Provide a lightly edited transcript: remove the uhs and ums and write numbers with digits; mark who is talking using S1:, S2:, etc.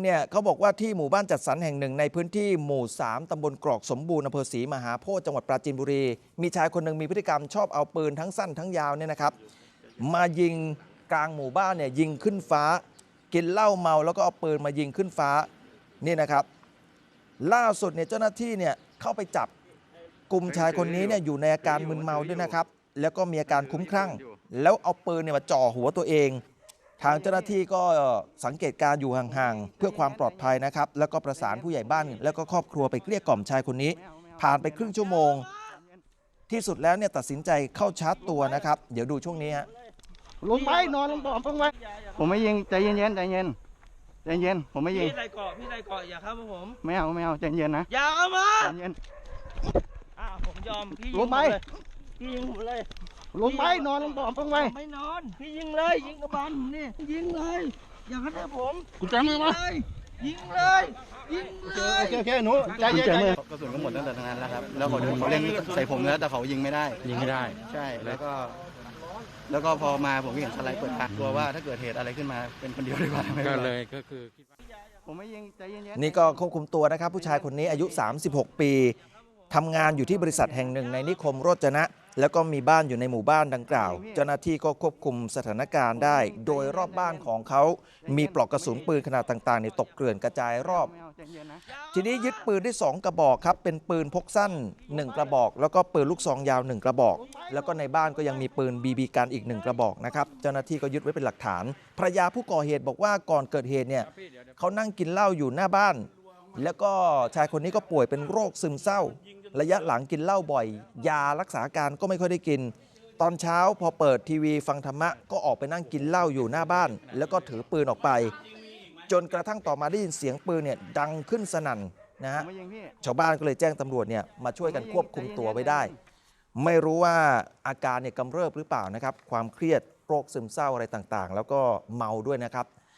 S1: เนี่ยเขาบอกว่าที่หมู่บ้านจัดสรรแห่งหนึ่งในพื้นที่หมู่ 3 ตำบลกรอกสมบูรณ์อำเภอศรีมหาโพธิ์จังหวัดปราจีนบุรีมีชายคนหนึ่งมีพฤติกรรมชอบเอาปืนทั้งสั้นทั้งยาวเนี่ยนะครับมายิงกลางหมู่บ้านเนี่ยยิงขึ้นฟ้ากินเหล้าเมาแล้วก็เอาปืนมายิงขึ้นฟ้านี่นะครับล่าสุดเนี่ยเจ้าหน้าที่เนี่ยเข้าไปจับกลุ่มชายคนนี้เนี่ยอยู่ในอาการมึนเมาด้วยนะครับแล้วก็มีอาการคลุ้มคลั่งแล้วเอาปืนเนี่ยมาจ่อหัวตัวเองทางเจ้าหน้าที่ก็สังเกตการอยู่ห่างๆเพื่อความปลอดภัยนะครับแล้วก็ประสานผู้ใหญ่บ้านแล้วก็ครอบครัวไปเกลี้ยกล่อมชายคนนี้ผ่านไปครึ่งชั่วโมงที่สุดแล้วเนี่ยตัดสินใจเข้าชาร์จตัวนะครับเดี๋ยวดูช่วงนี้ฮะ
S2: ลงไปนอนลงบ่อลงไปผมไม่ยิงใจเย็นใจเย็นใจเย็นผมไม่ยิง
S3: พี่ใส่เกาะอย่าเข้ามาผม
S2: ไม่เอาใจเย็นนะ
S3: อย่าเข้ามา
S2: ใจเย็น
S3: ผมยอมพี่ยิง
S2: ลงไป
S3: พี่ยิงผมเลย
S2: ลงไปนอนลงบ่อลงไป
S3: ไม่นอนพี่ยิงเลยยิงกระบาลผมนี่ยิงเลยอย่าเข้ามาผม
S2: กูจำมือมา
S3: ยิงเลยยิงเลย
S2: โอเคหนูใจเย็นกระสุนก็หมดตั้งแต่ตรงนั้นแล้วครับแล้วเขาเล่นใส่ผมแล้วแต่เขายิงไม่ได้ใช่แล้วก็พอมาผมก็เห็นสไลด์เปิดปากกลัวว่าถ้าเกิดเหตุอะไรขึ้นมาเป็นคนเดียวดีกว่า
S4: ก็คือคิดว่า
S2: ผมไม่ยิงใจเย็น
S1: นี่ก็ควบคุมตัวนะครับผู้ชายคนนี้อายุ36 ปีทำงานอยู่ที่บริษัทแห่งหนึ่งในนิคมโรจนะแล้วก็มีบ้านอยู่ในหมู่บ้านดังกล่าวเจ้าหน้าที่ก็ควบคุมสถานการณ์ได้โดยรอบบ้านของเขามีปลอกกระสุนปืนขนาดต่างๆตกเกลื่อนกระจายรอบทีนี้ยึดปืนได้2 กระบอกครับเป็นปืนพกสั้น1 กระบอกแล้วก็ปืนลูกซองยาว1 กระบอกแล้วก็ในบ้านก็ยังมีปืนบีบีกันอีก1 กระบอกนะครับเจ้าหน้าที่ก็ยึดไว้เป็นหลักฐานภรรยาผู้ก่อเหตุบอกว่าก่อนเกิดเหตุเนี่ยเขานั่งกินเหล้าอยู่หน้าบ้านแล้วก็ชายคนนี้ก็ป่วยเป็นโรคซึมเศร้าระยะหลังกินเหล้าบ่อยยารักษาการก็ไม่ค่อยได้กินตอนเช้าพอเปิดทีวีฟังธรรมะก็ออกไปนั่งกินเหล้าอยู่หน้าบ้านแล้วก็ถือปืนออกไปจนกระทั่งต่อมาได้ยินเสียงปืนเนี่ยดังขึ้นสนั่นนะฮะชาวบ้านก็เลยแจ้งตำรวจเนี่ยมาช่วยกันควบคุมตัวไว้ได้ไม่รู้ว่าอาการเนี่ยกำเริบหรือเปล่านะครับความเครียดโรคซึมเศร้าอะไรต่างๆแล้วก็เมาด้วยนะครับ